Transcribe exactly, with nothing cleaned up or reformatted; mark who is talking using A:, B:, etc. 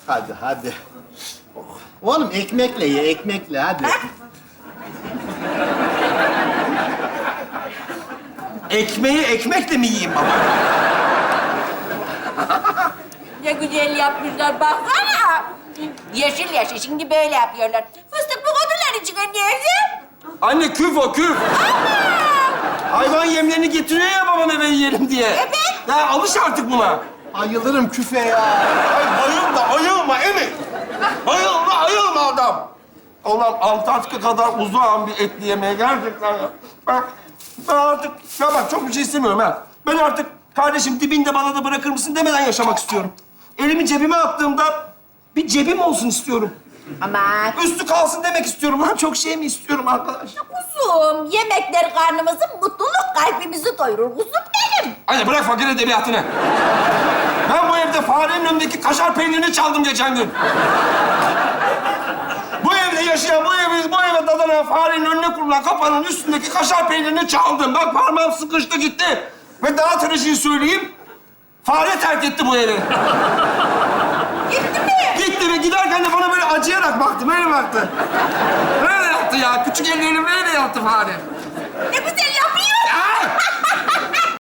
A: Hadi, hadi. Oğlum ekmekle ye, ekmekle hadi.
B: Ekmeği ekmekle mi yiyeyim baba?
C: Ne güzel yapmışlar baksana. Yeşil yeşil şimdi böyle yapıyorlar. Fıstık bu kodurlar içine nerede?
B: Anne küf o küf. Hayvan yemlerini getiriyor ya babam eve yiyelim diye.
C: Evet.
B: Ya alış artık buna.
A: Ayılırım küfe ya.
B: Ay bayılma, ayılma Emin. Ayılma, ayılma adam. Ulan Antarktika kadar uzağım bir etli yemeğe gerçekten ya. Ben, ben artık, ya bak çok bir şey istemiyorum ha. Ben artık kardeşim dibinde bana da bırakır mısın demeden yaşamak istiyorum. Elimi cebime attığımda bir cebim olsun istiyorum.
C: Aman.
B: Üstü kalsın demek istiyorum lan. Çok şey mi istiyorum arkadaş?
C: Kuzum, yemekler karnımızı, mutluluk kalbimizi doyurur. Kuzum benim.
B: Hadi bırak fakir edebiyatını. Ben bu evde farenin önündeki kaşar peynirini çaldım geçen gün. Bu evde yaşayan, bu evi, bu eve dadanan farenin önüne kurulan kapanın üstündeki kaşar peynirini çaldım. Bak parmağım sıkıştı gitti. Ve daha trajiği söyleyeyim. Fare terk etti bu evi.
C: Gitti mi?
B: Gitti ve giderken de bana böyle acıyarak baktı, böyle baktı. Böyle yaptı ya. Küçük elleriyle böyle yaptı fare.
C: Ne güzel yapıyor